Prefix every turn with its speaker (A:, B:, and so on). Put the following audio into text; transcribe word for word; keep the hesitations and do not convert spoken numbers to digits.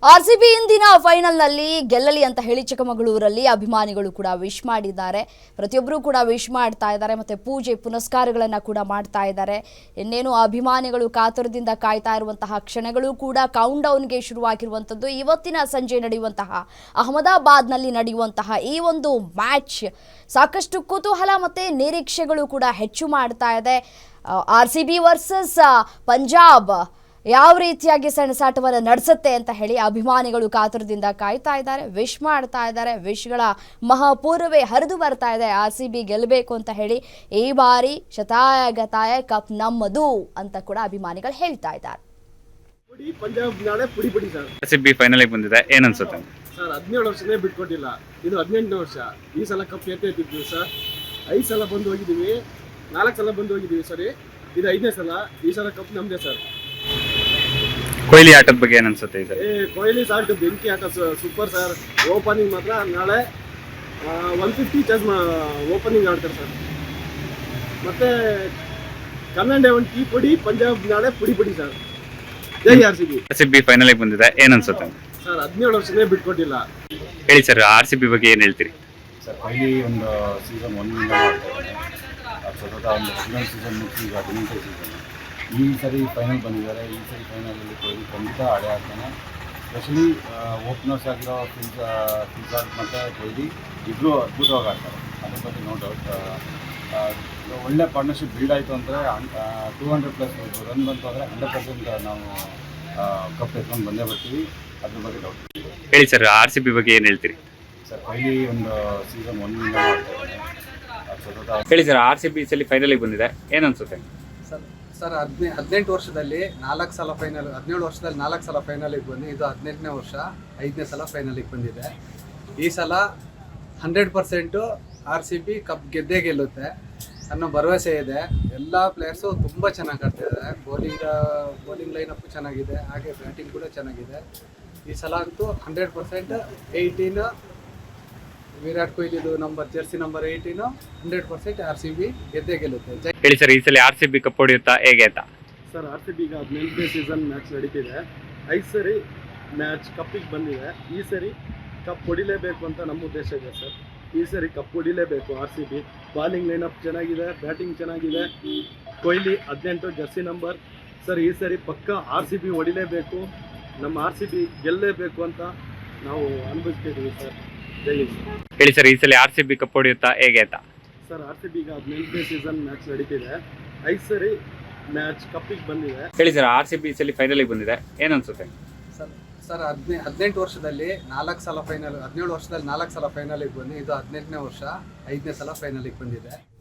A: RCB ಇಂದಿನ final ನಲ್ಲಿ ಗೆಲ್ಲಲಿ ಅಂತ ಹೇಳಿ ಚಿಕ್ಕಮಗಳೂರಲ್ಲಿ ಅಭಿಮಾನಿಗಳು ಕೂಡ ವಿಶ್ ಮಾಡಿದ್ದಾರೆ. ಪ್ರತಿಯೊಬ್ಬರು ಕೂಡ ವಿಶ್ ಮಾಡ್ತಾ ಇದ್ದಾರೆ, ಮತ್ತೆ ಪೂಜೆ ಪುನಸ್ಕಾರಗಳನ್ನು ಕೂಡ ಮಾಡ್ತಾ ಇದ್ದಾರೆ. ಇನ್ನೇನು ಅಭಿಮಾನಿಗಳು ಕಾತುರದಿಂದ ಕಾಯ್ತಾ ಇರುವಂತಹ ಕ್ಷಣಗಳು ಕೂಡ ಕೌಂಟ್ ಡೌನ್ಗೆ ಶುರುವಾಗಿರುವಂಥದ್ದು. ಇವತ್ತಿನ ಸಂಜೆ ನಡೆಯುವಂತಹ ಅಹಮದಾಬಾದ್ನಲ್ಲಿ ನಡೆಯುವಂತಹ ಈ ಒಂದು ಮ್ಯಾಚ್ ಸಾಕಷ್ಟು ಕುತೂಹಲ ಮತ್ತೆ ನಿರೀಕ್ಷೆಗಳು ಕೂಡ ಹೆಚ್ಚು ಮಾಡ್ತಾ ಇದೆ. ಆರ್ಸಿಬಿ ವರ್ಸಸ್ ಪಂಜಾಬ್ ಯಾವ ರೀತಿಯಾಗಿ ಸೆಣಸಾಟವನ್ನು ನಡೆಸುತ್ತೆ ಅಂತ ಹೇಳಿ ಅಭಿಮಾನಿಗಳು ಕಾತುರದಿಂದ ಕಾಯ್ತಾ ಇದ್ದಾರೆ, ವಿಶ್ ಮಾಡ್ತಾ ಇದ್ದಾರೆ. ವಿಶ್ಗಳ ಮಹಾಪೂರ್ವೇ ಹರಿದು ಬರ್ತಾ ಇದೆ ಆರ್ ಸಿ ಬಿ ಗೆಲ್ಲಬೇಕು ಅಂತ ಹೇಳಿ. ಈ ಬಾರಿ ಶತಾಯ ಗತಾಯ ಕಪ್ ನಮ್ಮದು ಅಂತ ಕೂಡ ಅಭಿಮಾನಿಗಳು ಹೇಳ್ತಾ ಇದ್ದಾರೆ.
B: ಪಂಜಾಬ್ ನಾಳೆ ಪುಡಿ ಪುಡಿ sir.
C: R C B final ಬಂದಿದೆ, ಏನ್ ಅನ್ಸುತ್ತೆ
B: ಸರ್? ಹದಿನೇಳು ವರ್ಷನೇ ಬಿಟ್ಕೊಟ್ಟಿಲ್ಲ, ಇದು ಹದಿನೆಂಟನೇ ವರ್ಷ. ಈ ಸಲ ಕಪ್ ಎತ್ತಿದ್ವಿ ಸರ್. ಐದು ಸಲ ಬಂದು ಹೋಗಿದ್ದೀವಿ, ನಾಲ್ಕು ಸಲ ಬಂದು ಹೋಗಿದ್ದೀವಿ ಸರಿ. ಇದು ಐದನೇ ಸಲ. ಈ ಸಲ ಕಪ್ ನಮ್ದೇ ಸರ್.
C: ಕೊಹ್ಲಿ ಆಟದ ಬಗ್ಗೆ ಏನ್ ಅನ್ಸುತ್ತೆ?
B: ಏ ಕೊಹ್ಲಿ ಸಾಲ್ಟ್ ಬೆಂಕಿ ಆಟ ಸೂಪರ್ ಸರ್. ಓಪನಿಂಗ್ ಮಾತ್ರ ನಾಳೆ ಒನ್ ಫಿಫ್ಟಿ ಚಾರ್ಜ್ ಓಪನಿಂಗ್ ಆಡ್ತಾರೆ ಸರ್. ಮತ್ತೆ ಕನ್ನಡ ಒಂದು ಟೀ ಪುಡಿ, ಪಂಜಾಬ್ ನಾಳೆ ಪುಡಿ ಪುಡಿ sir. Jai R C B.
C: R C B final ಬಂದಿದೆ, ಏನ್ ಅನ್ಸುತ್ತೆ
B: ಸರ್? ಹದಿನೇಳು ವರ್ಷನೇ ಬಿಟ್ಕೊಟ್ಟಿಲ್ಲ.
C: ಹೇಳಿ ಸರ್, ಆರ್ ಸಿ ಬಿ ಬಗ್ಗೆ ಏನ್ ಹೇಳ್ತೀರಿ
D: ಸರ್? ಕೊಹ್ಲಿ ಒಂದು ಸೀಸನ್ ಒನ್ನಿಂದ ಮಾಡ್ತಾ ಇದ್ದಾರೆ. ಸತತ ಒಂದು ಹದಿನೇಳು ಸೀಸನ್ ಮುಗಿಸಿ ಈಗ ಹದಿನೆಂಟು ಸೀಸನ್. ಈ ಸರಿ ಫೈನಲ್ ಬಂದಿದ್ದಾರೆ. ಈ ಸರಿ ಫೈನಲಲ್ಲಿ ಕೊಹ್ಲಿ ಖಂಡಿತ ಆಡೇ ಆಗ್ತಾನೆ. ಸ್ಪೆಷಲಿ ಓಪನರ್ಸ್ ಆಗಿರೋ ಫಿಲ್ಸ್ ಫಿಲ್ಸಾರ್ಟ್ ಮತ್ತು ಕೊಹ್ಲಿ ಇಬ್ಬರು ಅದ್ಭುತವಾಗಿ ಆಡ್ತಾರೆ, ಅದ್ರ ಬಗ್ಗೆ ನೋ ಡೌಟ್. ಒಳ್ಳೆ ಪಾರ್ಟ್ನರ್ಶಿಪ್ ಬಿಲ್ಡ್ ಆಯಿತು ಅಂದರೆ ಟೂ ಹಂಡ್ರೆಡ್ ಪ್ಲಸ್ ರನ್ ಬಂತು ಅಂದರೆ ಹಂಡ್ರೆಡ್ ಪರ್ಸೆಂಟ್ ನಾವು ಕಪ್ ಎತ್ಕೊಂಡು ಬಂದೇ ಬರ್ತೀವಿ, ಅದ್ರ ಬಗ್ಗೆ ಡೌಟ್.
C: ಹೇಳಿ ಸರ್, ಆರ್ ಸಿ ಬಿ ಬಗ್ಗೆ ಏನು ಹೇಳ್ತೀರಿ
D: ಸರ್? ಕೊಹ್ಲಿ ಒಂದು ಸೀಸನ್ ಒನ್ನಿಂದ ಮಾಡ್ತಾ ಇದ್ದಾರೆ. ಸತತ
C: ಹೇಳಿ ಸರ್, ಆರ್ ಸಿ ಬಿ ಸಲ ಫೈನಲಿಗೆ ಬಂದಿದೆ, ಏನು ಅನ್ಸುತ್ತೆ
E: ಸರ್? ಸರ್ ಹದಿನೈ ಹದಿನೆಂಟು ವರ್ಷದಲ್ಲಿ ನಾಲ್ಕು ಸಲ ಫೈನಲ್, ಹದಿನೇಳು ವರ್ಷದಲ್ಲಿ ನಾಲ್ಕು ಸಲ ಫೈನಲಿಗೆ ಬಂದು ಇದು ಹದಿನೆಂಟನೇ ವರ್ಷ ಐದನೇ ಸಲ ಫೈನಲಿಗೆ ಬಂದಿದೆ. ಈ ಸಲ hundred percent R C B cup ಗೆದ್ದೇ ಗೆಲ್ಲುತ್ತೆ ಅನ್ನೋ ಭರವಸೆ ಇದೆ. ಎಲ್ಲ ಪ್ಲೇಯರ್ಸು ತುಂಬ ಚೆನ್ನಾಗಿ ಆಡ್ತಿದ್ದಾರೆ. ಬೌಲಿಂಗ್ ಬೌಲಿಂಗ್ ಲೈನಪ್ಪು ಚೆನ್ನಾಗಿದೆ, ಹಾಗೆ ಬ್ಯಾಟಿಂಗ್ ಕೂಡ ಚೆನ್ನಾಗಿದೆ. ಈ ಸಲ ಅಂತೂ ಹಂಡ್ರೆಡ್ ಪರ್ಸೆಂಟ್ ಏಯ್ಟೀನ್ ವಿರಾಟ್ ಕೊಹ್ಲಿದು number jersey number eighteen hundred percent R C B ಗೆದ್ದೇ ಗೆಲ್ಲುತ್ತೆ.
C: ಹೇಳಿ ಸರ್, ಈ ಸಲ ಆರ್ ಸಿ ಬಿ ಕಪ್ ಹೊಡೆಯುತ್ತಾ ಹೇಗೆ ಅಂತ?
B: ಸರ್ ಆರ್ ಸಿ ಬಿ ಈಗ ಹದಿನೆಂಟನೇ ಸೀಸನ್ ಮ್ಯಾಚ್ ನಡೀತಿದೆ. ಐದು ಸರಿ ಮ್ಯಾಚ್ ಕಪ್ಪಿಗೆ ಬಂದಿದೆ. ಈ ಸರಿ ಕಪ್ ಹೊಡಿಲೇಬೇಕು ಅಂತ ನಮ್ಮ ಉದ್ದೇಶ ಇದೆ ಸರ್. ಈ ಸರಿ ಕಪ್ ಹೊಡಿಲೇಬೇಕು R C B. Bowling lineup ಚೆನ್ನಾಗಿದೆ, ಬ್ಯಾಟಿಂಗ್ ಚೆನ್ನಾಗಿದೆ. ಕೊಹ್ಲಿ ಹದಿನೆಂಟು ಜರ್ಸಿ ನಂಬರ್ ಸರ್. ಈ ಸರಿ ಪಕ್ಕ ಆರ್ ಸಿ ಬಿ ಹೊಡಿಲೇಬೇಕು, ನಮ್ಮ ಆರ್ ಸಿ ಬಿ ಗೆಲ್ಲಲೇಬೇಕು ಅಂತ ನಾವು ಅನುಭವಿಸ್ತಿದ್ದೀವಿ ಸರ್. ಜೈ ಹಿಂದ್.
C: ಹೇಳಿ ಸರ್, ಈ ಸಲ ಆರ್ ಸಿ ಬಿ ಕಪ್ ಹೊಡೆಯುತ್ತಾ ಹೇಗೆ ಅಂತ?
B: ಸರ್ ಆರ್ ಸಿ ಬಿ ಈಗ ಹದಿನೆಂಟನೇ ಸೀಸನ್ ಮ್ಯಾಚ್ ನಡೀತಿದೆ. ಐದು ಸರಿ ಮ್ಯಾಚ್ ಕಪ್ಪಿಗೆ ಬಂದಿದೆ.
C: ಹೇಳಿ ಸರ್, ಆರ್ ಸಿ ಬಿ ಸಲ ಫೈನಲಿಗೆ ಬಂದಿದೆ, ಏನು ಅನ್ಸುತ್ತೆ
E: ಸರ್? ಸರ್ ಹದಿನೈ ಹದಿನೆಂಟು ವರ್ಷದಲ್ಲಿ ನಾಲ್ಕು ಸಲ ಫೈನಲ್, ಹದಿನೇಳು ವರ್ಷದಲ್ಲಿ ನಾಲ್ಕು ಸಲ ಫೈನಲಿಗೆ ಬಂದು ಇದು ಹದಿನೆಂಟನೇ ವರ್ಷ ಐದನೇ ಸಲ ಫೈನಲಿಗೆ ಬಂದಿದೆ.